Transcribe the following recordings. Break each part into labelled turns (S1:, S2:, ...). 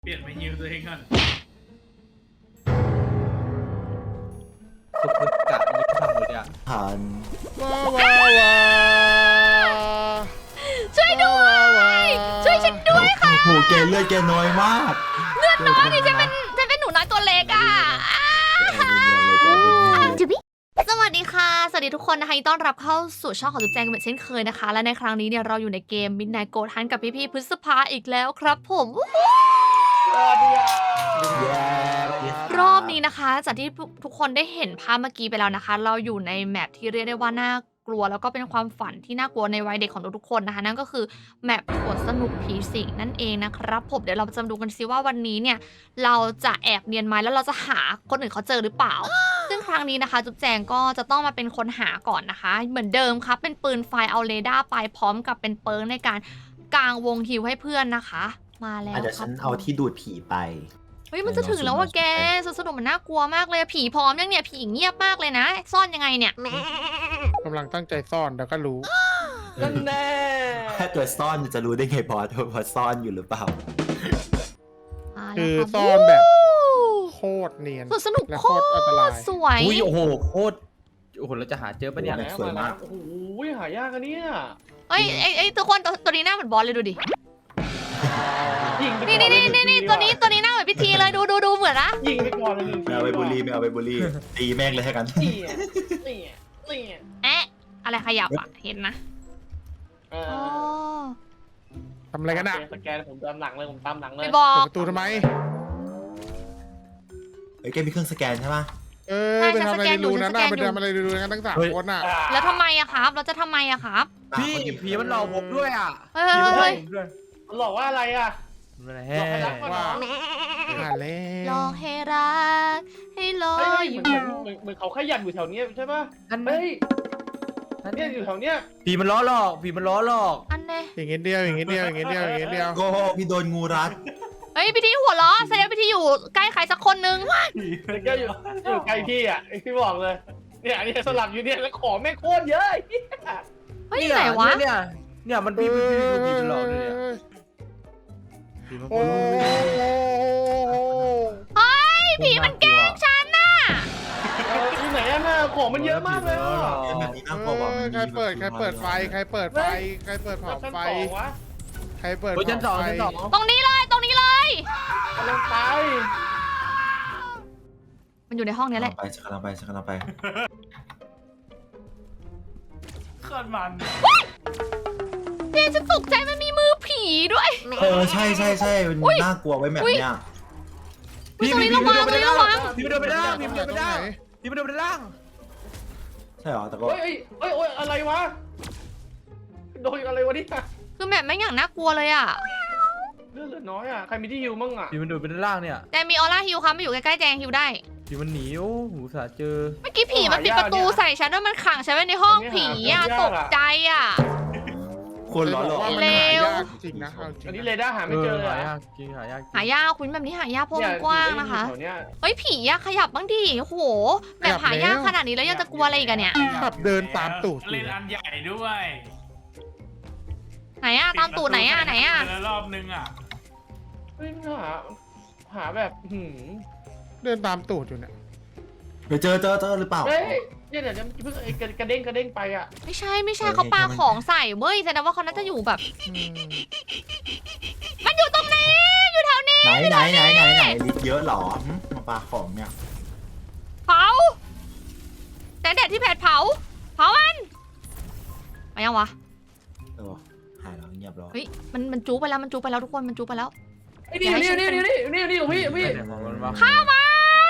S1: เปลี่ยนมาฮิวตัวเองก่อน
S2: ฝึกกะยิงทำเลยเนี่ย
S3: ผ่าน
S4: ช่วยด้วยช่วยฉันด้วยค่ะ
S3: โอ้โหแกเลือดแกน้อยมาก
S4: เลือดน้อยนี่ฉันเป็นหนูน้อยตัวเล็กอ่ะจุบิสวัสดีค่ะสวัสดีทุกคนนะคะยินดีต้อนรับเข้าสู่ช่องของจุ๊บแจงกันเหมือนเช่นเคยนะคะและในครั้งนี้เนี่ยเราอยู่ในเกม Midnight Goat Hunt กับพี่ๆพฤษภาอีกแล้วครับผมรอบนี้นะคะจากที่ทุกคนได้เห็นภาพเมื่อกี้ไปแล้วนะคะ เราอยู่ในแมปที่เรียกได้ว่าน่ากลัวแล้วก็เป็นความฝันที่น่ากลัวในวัยเด็กของทุกๆคนนะคะนั่นก็คือแมปสวนสนุกผีสิงนั่นเองนะครับผมเดี๋ยวเราจะมาดูกันซิว่าวันนี้เนี่ยเราจะแอบเนียนไหมแล้วเราจะหาคนอื่นเขาเจอหรือเปล่า ซึ่งครั้งนี้นะคะจุ๊บแจงก็จะต้องมาเป็นคนหาก่อนนะคะ เหมือนเดิมครับเป็นปืนไฟเอาเรดาร์ไปพร้อมกับเป็นเปิร์กในการกางวงฮิวให้เพื่อนนะคะ มาแล้ว
S3: เดี๋ยว
S4: ค
S3: ฉั
S4: รับ
S3: นเอาที่ดูดผีไป
S4: เฮ้ยมันจะถึงแล้วว่ะแกสนุกมันน่ากลัวมากเลยผีพร้อมยังเนี่ยผีเงียบมากเลยนะ ซ่อนยังไงเนี่ย
S5: กำลังตั้งใจซ่อนเดี๋ยวก็รู้
S2: นั่นแน่
S3: แค่ตัวซ่อนจะรู้ได้ไงพอซ่อนอยู่หรือเปล่า
S4: มาแล้ว
S5: คือ
S4: รับ
S5: ซ่อนแบบโคตรเนียน
S4: สวนสนุก
S5: และ
S4: โค
S5: โคตรอันตราย
S4: ตรสวย
S2: อุ้ยโอ้โหโคตรโอ้โหเราจะหาเจอปะเนี่ย
S3: สวยมาก
S6: โอ้โหหายากอันเนี่ย
S4: เอ้ยไอ้ตัวคนตัวนี้หน้าเหมือนบอสเลยดูดิ
S6: ยิงไป
S4: นี่
S6: ก่อ
S4: นี่
S6: เลย
S4: นี่ตัวนี้หน้าเหมือนพิธีเลยดูเหมือนนะ
S6: ยิงไปก่อนเลยหนึ่ง
S3: ไม่เอาไปบูลลี่ไม่เอาไปบูลลี่ตีแม่งเลยให้กัน
S6: นี่นี่นี่
S4: แอะอะไรขยับอ่ะเห็นนะ
S6: เอ
S4: อ๋อ
S5: ทำอะไรกันอ่ะ
S6: สแกนผมตามหลังเลยผมตามหลังเลย
S4: ไม่บอ
S5: เปิด
S4: ก
S5: ประตูทำไม
S3: เฮ้ยแกมีเครื่องสแกนใช่ปะ
S5: ไปทำอะไรดูนะหน้าไปทำอะไรดูนะทั้งสามคนอ่ะ
S4: แล้วทำไมอะครับ เราจะทำไมอะครับ
S2: พี่ผีมันหลอกผมด้วยอ่ะ
S4: เฮ้
S2: ผีมันหลอก
S4: ย
S2: ผมด้วย
S6: มันหลอกว่าอะไรอ่ะ
S2: มัน
S6: หลอกให้รักก่อน
S5: ว่า
S6: เนาะ
S5: หาแล้
S4: ล
S5: ว
S4: องให้รักให้รอ
S6: เฮ้ย
S4: อยู่
S6: เหมือนเขาขยันอยู่แถวนี้ใช่ป่ะ
S2: นั่น
S6: เฮ้ย
S2: นั่น
S6: เนี่ยอยู่แถวเนี้ย
S2: ผีมันล้อหลอกผีมันล้อหลอก
S4: อันเน่
S5: อย่างเงี้ยเดียวอย่างเงี้ยเดียวอย่างเงี้ยเดียวอย่างเงี้ยเดียว
S3: โกหกพี่โดนงูรัด
S4: เฮ้ยพิธีหัวล้อแสดงพิธีอยู่ใกล้ใครสักคนนึง
S6: แต่ก็อยู่ใกล้พี่อ่ะพี่บอกเลยเนี่ยอันนี้สลับอยู่เนี่ยแล้วของแม่งโคตรเยอะ
S4: เฮ้ยไหนวะ
S2: เนี่ยมันผีมันดูผีมันหลอกเลยเนี่ยผีมัน
S5: โอ้
S4: เฮ้ยผีมันแกล้งฉันน่ะ
S6: ที่ไหนอ่ะน่ะของมันเยอะมากเลยอ่ะ
S3: เกมแบบนี้น่ากลัวว่ะมัน
S5: ใครเปิดไฟใครเปิดไฟใครเปิดเผา
S6: ชั้น
S5: ไฟ
S6: สองวะ
S5: ใครเปิด
S2: โอ้ยชั้นสอง
S5: เผาไฟ
S2: ชั้นสอง
S4: ตรงนี้เลยตรงนี้เลย
S6: กำลังไป
S4: มันอยู่ในห้องนี้แหละ
S3: ฉันกำลังไป
S1: โคตรมัน
S4: เจ๊จะตกใจมันมีมือผีด้วย
S3: ใช่มันน่ากลัวไว้แบบเนี้ย
S4: อุ๊ยตรงนี้ระวังตรงนี้ระวัง
S2: ผีมันเดินไปด้านผีมันเดินไปด้านผีมันเดินไปด้าน
S3: ใช่เหรอแต่ก็
S6: เฮ้ยอะไรวะโดนอะไรวะเนี่ย
S4: คือแบบไม่อย่างน่ากลัวเลยอะ
S6: เลือดเหลือน้อยอ่ะใครมีที่ฮิวมั่งอ่ะ
S2: ผีมันเดินไปด้านล่างเนี่ย
S4: แต่มีออร่าฮิวครับมาอยู่ใกล้ๆแจงฮิวได้
S2: ผีมันหนีโอ้โหสาเจอ
S4: เมื่อกี้ผีมันปิดประตูใส่ฉันด้วยมันขังฉันไว้ในห้องผีอะตกใจอะ
S3: คนล้อหลอก
S5: ว่ามันหายากจริงนะเอาจริง
S6: อันนี้
S5: นะ
S6: เรดาร์หาไม่เจอเลย
S2: หา
S6: อะ
S2: ยากจริงหายาก
S4: หายากคุณแบบนี้หายากเพราะมันกว้างนะคะ
S6: แถวเนี้ย
S4: เฮ้ยผีอะขยับบ้างดิโอ้โหแบบหายากขนาดนี้แล้วยังจะกลัวอะไรอีกอะเนี่ย
S5: ขับเดินตามตูดอ
S1: เล่
S5: ยู่
S1: น
S5: นะ
S1: อันใหญ่ด้วย
S4: ไหนอะตามตูดไหนอะไหนอะ
S1: เจรอบนึงอ่ะ
S6: เฮ้ยหาแบบ
S5: เดินตามตูดอยู่เนี่ย
S3: เดี๋ยวเจอหรือเปล่า
S6: เฮ้ยเนี่ยเดี๋ยวเพิ่งกระเด้งไปอ่ะ
S4: ไม่ใช่เขาปาของใส่เว้ยแสดงว่าเขาน่าจะอยู่แบบ
S5: อืม
S4: มันอยู่ตรงนี้อยู่แถวนี้
S3: ไหนลิฟต์เยอะหรอมาปาของเนี่ย
S4: เผาแต่เด็ดที่แผดเผามันมายังวะ
S3: หายแล้วเงียบแล้ว
S4: เฮ้ยมันจูไปแล้วทุกคนมันจูไปแล้ว
S6: ไอ้นี่ของพี่
S2: ไม่ไหนของมันวะ
S4: ฆ่ามัน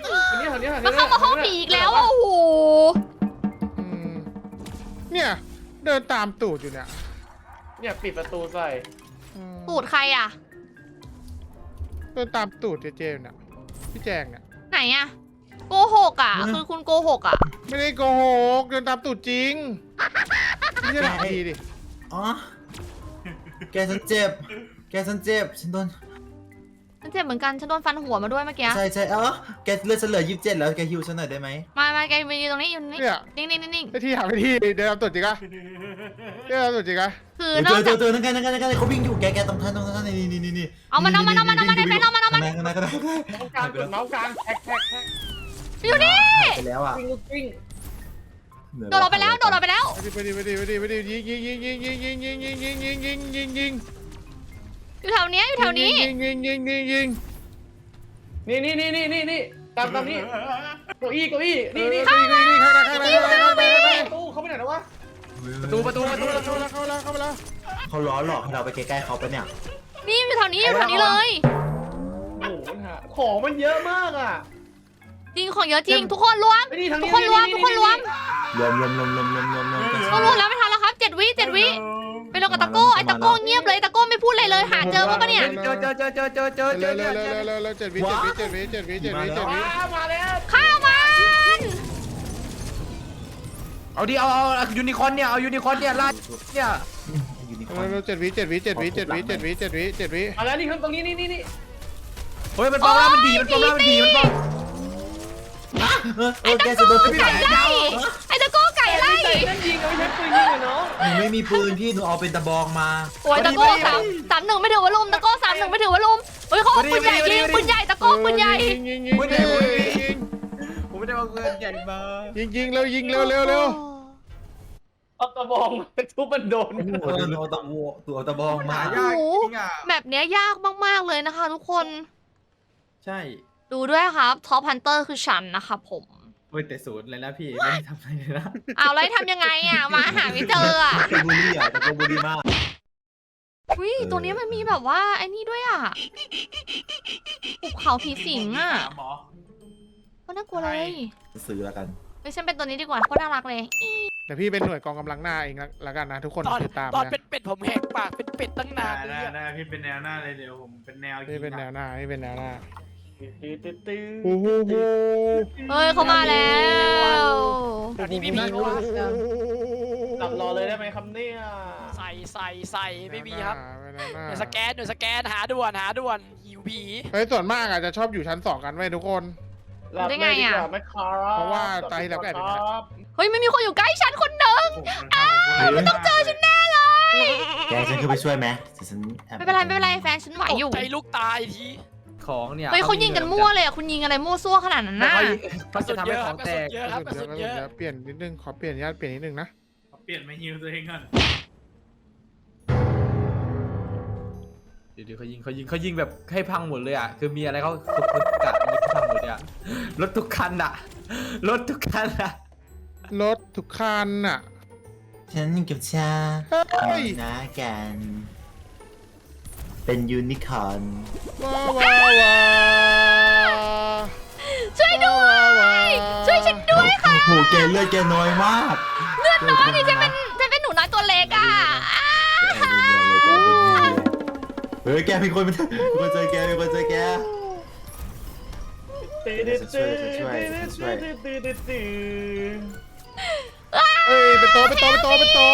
S6: อันนี้
S4: มันเข้ามาห้องผีอีกแล้วอะโอ้โห
S5: อืมเนี่ยเดินตามตูดอยู่เนี่ย
S6: เนี่ยปิดประตูใส่
S5: อืม
S4: ตูดใครอะ
S5: เดินตามตูดเจเจเนี่ยพี่แจงเนี่ย
S4: ไหนอะโกหกอะคือคุณโกหกอะ
S5: ไม่ได้โกหกเดินตามตูดจริงไม่ใช่หลักดีดิ
S3: อ๋อแกฉันเจ็บฉันโดน
S4: ฉันเจ็บเหมือนกันฉันโดนฟันหัวมาด้วยเมื่อกี้
S3: ใช่แกเลือดฉันเหลือ27แล้วแกฮิวฉันหน่อยได้ไหม
S4: มาแกยืนตรงนี้อยู่นี่
S5: เนี่ย
S4: นิ่ง
S5: ไอ้ที่หาไปที่เดินตามตูดจริงอะเรื่องสุดจริงอะ
S4: คือนอก
S3: เจ
S4: จาก
S3: อนั่นกันเขาวิ่งอยู่แกตรงท่านนี่
S4: เอามันในเป็นเอามัน
S3: ข้างใน
S6: เมาส์กลางกดเมาส์กลางแท็ก
S4: อยู่นี่
S3: ไปแล้วอ่ะ
S6: วิ่งลูกวิ่ง
S4: โดดเราไปแล้ว
S5: ไปดิยิง
S4: อยู่แถวเนี้ย
S5: ยิง
S6: นี่ตามนี่เก้าอี้นี่
S5: ข้างใน
S6: ตู้เขาไปไหนแล้ววะ
S2: ประตู
S5: เข้ามาแล้ว
S3: เขาล้อหลอกให้เราไปใกล้ๆเขาปะเนี่ย
S4: นี่อยู่แถวนี้เลย
S6: โอ้โหของมันเยอะมากอ่ะ
S4: จริงของเยอะจริง ทุกคนรวม
S6: ไอ้นี่ทาง
S4: ทุ
S6: นี้
S4: กคนรวม
S3: รวม
S4: ก็รวมแล้วไม่ทันแล้วครับ7 วิไปลงกับตะโก้ไอ้ตะโก้เงียบเลยตะโก้ไม่พูดเลยหาเจอปะเนี่ย
S2: เจอ
S5: เจ็ดวิ
S6: มาแล้ว
S4: ฆ่ามัน
S2: เอาดิเอายูนิคอร์นเนี่ยเอายูนิคอร์นเนี่ยลาดเนี่ย
S3: ยูนิคอร์น
S5: เรา7 วิ
S6: มาแล้วนี่ครับตรงนี้นี่
S2: เฮ้ยมันปลอมแล้วมันผีมันปลอมแล้วมันผีมันปลอม
S3: แกจะโดน
S4: ไก่ไล่ไอ้ตะโก้ไก่ไล่
S6: นั่นยิงเอาไม่ใช่ปืนยิงเหรอน้อง
S3: หนูไม่มีปืนพี่หนูเอาเป็นตะบองมา
S4: โอ้ยตะโก้3-1ไม่ถือว่าลุมตะโก้3-1ไม่ถือว่าลุมเฮ้ยเขาปืนใหญ่ยิงปืนใหญ่ตะโก้ปืนใหญ่
S2: ผมไม่ได้เอาเงินใหญ่มา
S5: ยิงเร็ว
S6: เอาตะบองทุบมันโดน
S3: เอาตะวัวตัวตะบองมา
S2: ยากจริงอ่ะ
S4: แบบเนี้ยยากมากๆเลยนะคะ ทุกคน
S2: ใช่
S4: ดูด้วยครับท็อปฮันเตอร์คือฉันนะคะผม
S2: เฮ้ยแต่ศูนย์เลยนะพี่ไม่ได้ทำอะไรเลยนะ
S4: เอาแล้วทำยังไงอ่ะมาหาไม่เจออ่ะ
S3: ตะบูรี่อ่ะตะบูรี่มาก
S4: อุ้ยตัวนี้มันมีแบบว่าไอ้นี่ด้วยอ่ะภูเขาผีสิงอ่ะ
S1: หมอ
S4: ก็น่ากลัวเลย
S3: ซื้อแล้วกัน
S4: เฮ้ยฉันเป็นตัวนี้ดีกว่าโคตรน่ารักเลย
S5: แต่พี่เป็นหน่วยกองกำลังหน้าเองละกันนะทุกคน
S7: ตอน
S5: ติดตาม
S7: ตอน
S5: นะ
S7: เป็นเป็ดผมแหกปากเป็นเป็ดตั้งนานเลยอะ
S1: ได้พี่เป็นแนวหน้าเลยเดี๋ยวผมเป็นแนวยิ
S5: พี่
S1: ง
S5: เป็นแนวหน้า
S6: ตื้อ
S5: โอ้โห
S4: เฮ้ยเขามาแล้ว
S7: อันนี้ไม่มีวะ
S6: หลับรอเลยได้ไหมครับเนี่ย
S7: ใส่ไม่มีครับห
S5: ห
S7: น่
S5: น่
S7: วยสแกนหาด่วนหิวผี
S5: เฮ้ยส่วนมากอาจจะชอบอยู่ชั้น 2 กันไว้ทุกคน
S6: หลับเลยดีกว่าไหมครับ
S5: เพราะว่าตายแล้วก็แอบเป็นอย่างนั้น
S6: ครับ
S4: เฮ้ยไม่มีคนอยู่ใกล้ฉันคนหนึ่ง
S1: มันต้องเจอฉันแน่
S3: แกฉันคือไปช่วยไหมฉัน
S4: ไม่เป็นไรแฟนฉันไหวอยู่
S7: ตกใจลูกตายที
S2: ของเนี่ย
S4: เฮ้ยเขายิงกันมั่วเลยอ่ะคุณยิงอะไรมั่วซั่วขนาดนั้นน่ะ
S2: เขาจะทำให้ของแตก
S7: เยอะครับกระสุนเยอะ
S5: เปลี่ยนนิดนึงขอเปลี่ยนนิดนึงนะ
S1: เปลี่ยนมาฮิวตัวเองก่อน
S2: เดี๋ยวเขายิงแบบให้พังหมดเลยอ่ะคือมีอะไรเขากะยิงพังหมดเลยอ่ะรถทุกคันอ่ะ
S5: รถทุกคันอ่ะ
S3: ฉันกับชา
S5: เฮ้ย
S3: นะกัน เป็นยูนิคอร์น
S5: ว้าว
S4: ช่วยด้วยช่วยฉันด้วยค่ะ
S3: โอ้โหแกเลือดแกน้อยมาก
S4: เลือดน้อยนี่ฉันเป็นหนูน้อยตัวเล็กอ่ะ
S3: เฮ้ยแกมีคนมาเจอแกมีคนเจอแก
S5: เฮ้ยเป็นโตะเป็นเก้าอี้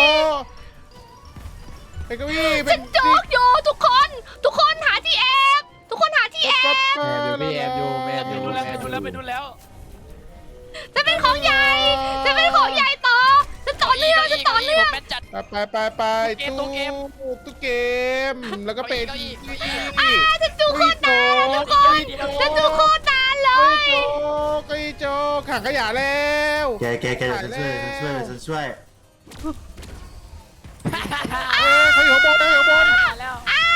S4: ฉันโจกอยู่ทุกคนหาที่แอบทุกคนหาที่แอบ
S2: แอบอยู่
S7: ไปดูแล้ว
S4: จะเป็นของใหญ่ต่อจะต่อเนื่อง
S7: แมนจัด
S5: ไป
S7: ตู้เกม
S5: ตู้เกมแล้วก็เป็น
S4: ฉันดูโคตรนานทุกคนฉันดูโคตรนานเลย
S5: เก้าอี้โจขังขยะแล้ว
S3: แกฉันช่วย
S5: เขาอยู่ข้างบน
S7: แล้ว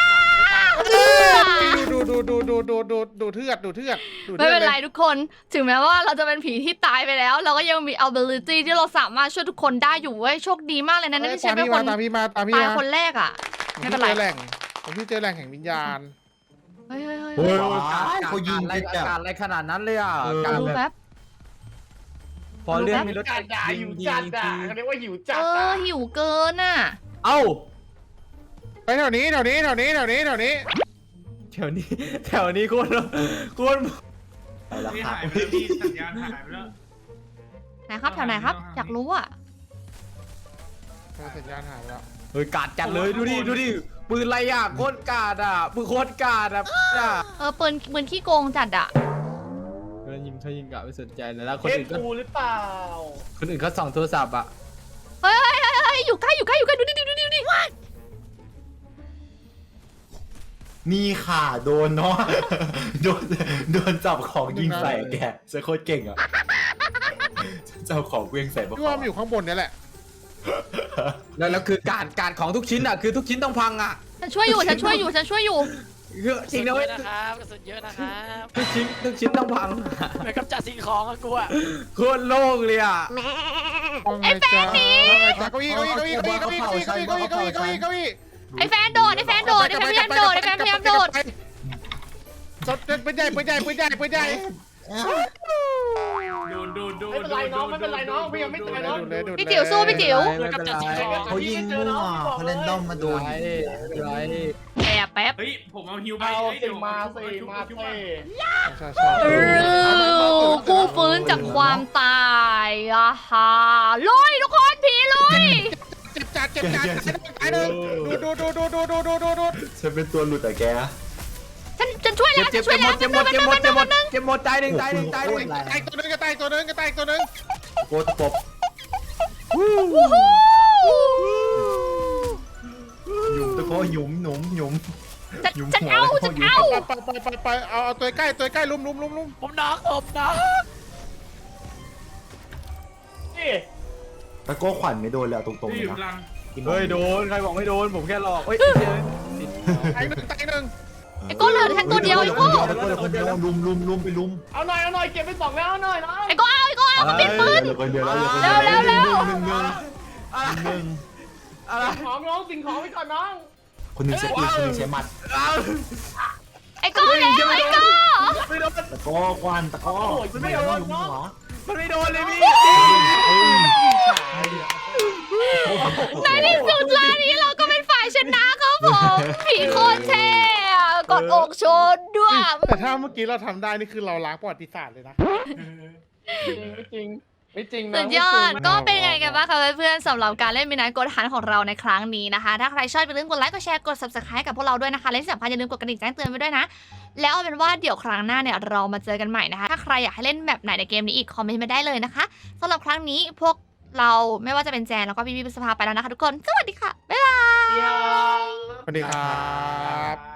S5: ดูเทือด
S4: ไม่เป็นไรทุกคนถึงแม้ว่าเราจะเป็นผีที่ตายไปแล้ว เราก็ยังมี ability ที่เราสามารถช่วยทุกคนได้อยู่เว้ยโชคดีมากเลยนะที่ฉันเป็นคน
S5: ตามพี่มา
S4: ตายคนแรกอ่ะไม่เป็นไร
S5: ผมที่เจอแหล่งแห่งวิญญาณ
S4: เฮ้ย
S3: โอ้ยเขายิง
S2: อะไร
S3: กันแบบ
S2: อะไรขนาดนั้นเลยอ่ะ
S4: ดูแป๊บ
S2: พอเรื่องมีรถ
S6: จัดด่าหิวจัดด่าเขาเรียกว่าหิวจัด
S4: หิวเกินอ่ะ
S2: เอ้า
S5: ไปแถวนี้
S2: แถวนี้โคตร
S3: ไปแล้ว
S1: พี่
S3: ค่ะ
S1: หายไปแล้วพี่สัญญาณหายไปแล้ว
S4: ไหนครับแถวไหนครับอยากรู้อ่ะ
S5: สัญญาณหายไปแล้ว
S2: เฮ้ยกาดจัดเลยดูดิปืนอะไรอ่ะโคตรกาดอ่ะปืนโคตรกาดอ่ะ
S4: ปืนขี้โกงจัดอ่ะ
S2: เขายิงกะไม่สนใจเลยแล้วค
S6: เคน
S2: อื่นก็
S6: กูหรือเปล่า
S2: คนอื่นเขาส่องโทรศัพท์อ่ะ
S4: เฮ้ยอยู่ใกล้ดูดิ
S3: นี่ค่ะโดนเนาะ โดนจับของยิงใส่แกเซโคตรเก่งอ่ะเจ้าของเวียงใส่
S5: พี่ว่ามันอยู่ข้างบนเนี่ยแหละ
S2: แล้วคือการของทุกชิ้นอ่ะคือทุกชิ้นต้องพังอ่ะ
S4: ฉันช่วยอยู่
S2: คือจริงนะ
S7: เย
S2: เว้ย
S7: อะนะครับกระสุนเยอะนะครับ
S2: ทุกชิ้นต้องพัง
S7: เหมือนกับจัดสิ่งของอะกูอะ
S2: โคตรโล่งเลยอ่ะ
S5: ไอ้แฟนนี่เก้าอี้
S4: ไอ้แฟนโดดพยายามโดด
S5: ปืนใหญ่
S1: โดน
S6: ไม่เป็นไรน้องไม่เป็นไรน้องพี่ยังไม่ตายน้อง
S4: พี่จิ๋วสู้พี่จิ๋ว
S7: เหมือนกับจัดสิ่งของ
S3: เขายิงมั่วเขาเล่นด้อมมาโดน
S4: แป๊บ
S1: เฮ้ยผมเอาฮิวไป
S6: เอา
S1: เฮ้ย
S6: สิ
S1: เดี๋ยว
S6: มา
S1: เอ
S6: สิ
S1: ชุบ
S6: มา
S1: เอชุบ
S6: สิ
S4: ผู้ฟื้นจากความตายอะค่ะลุยทุกคนผีลุย
S5: เจ็บจัดตายเลยดู
S3: ฉันเป็นตัวหลุดแต่แก
S4: ฉันช่วยแล้ว
S2: เจ็บหมดตายหนึ่ง
S5: ตายตัวนึงก็ตายตัวนึง
S3: โกตปบหยุมตะโกหยุมหยุม
S4: ฉันเอา
S5: ไปเอาตัวใกล้ลุม
S7: ผมน็อกผมน็อก
S6: นี่
S3: ตะโกขวัญไม่โดนแล้วตรงๆ
S1: ที่
S3: เล
S1: อย ยู่
S3: นะ
S1: กลาง
S2: เฮ้ยโดนใครบอกไม่โดนผมแค่หลอกเฮ้ย
S5: ตายหนึ่ง
S4: ไอ้โก้เหลือแค่ตัวเดียวไอ้โก้
S3: ตะโกคนเดียวลุมไปลุม
S6: เอาหน่อยเก็บไป2แล้วหน่อยน้อง
S4: ไอ้โก้เอามันปิดปืน
S3: เหลือคนเดียวแล้ว
S4: เร็ว
S3: หนึ่ง
S2: อะไร
S6: ของน้องสิ่งของไปก่อนน้อง
S3: คนหนึ่งใช้ปืนคนหนึ่งใช้หมัด
S4: ไอ้โก้แล้วไอ้โก้
S2: ไม่โดน
S3: ตะโกควันตะโกไม่โดนหัว
S2: มันไม่โดนเลยพี่
S4: ในที่สุดร้านนี้เราก็เป็นฝ่ายชนะครับผมผีโคตรเท่อะกดอกชนด้วย
S5: แต่ถ้าเมื่อกี้เราทำได้นี่คือเราล้างประวัติศาสตร์เลยนะ
S6: ไม่จริงนะ
S4: สุดยอดก็เป็นไงกันบ้างคะเพื่อนๆสำหรับการเล่นมินไนท์กดหันของเราในครั้งนี้นะคะ ถ้าใครชอบอย่าลืมกดไลค์กดแชร์กด subscribe กับพวกเราด้วยนะคะและที่สำคัญอย่าลืมกดกระดิ่งแจ้งเตือนไว้ด้วยนะแล้วเอาเป็นว่าเดี๋ยวครั้งหน้าเนี่ยเรามาเจอกันใหม่นะคะถ้าใครอยากให้เล่นแบบไหนในเกมนี้อีกคอมเมนต์มาได้เลยนะคะสำหรับครั้งนี้พวกเราไม่ว่าจะเป็นแจนแล้วก็พี่พิพสภาไปแล้วนะคะทุกคนสวัสดีค่ะบ๊ายบาย
S5: สวัสดีครับ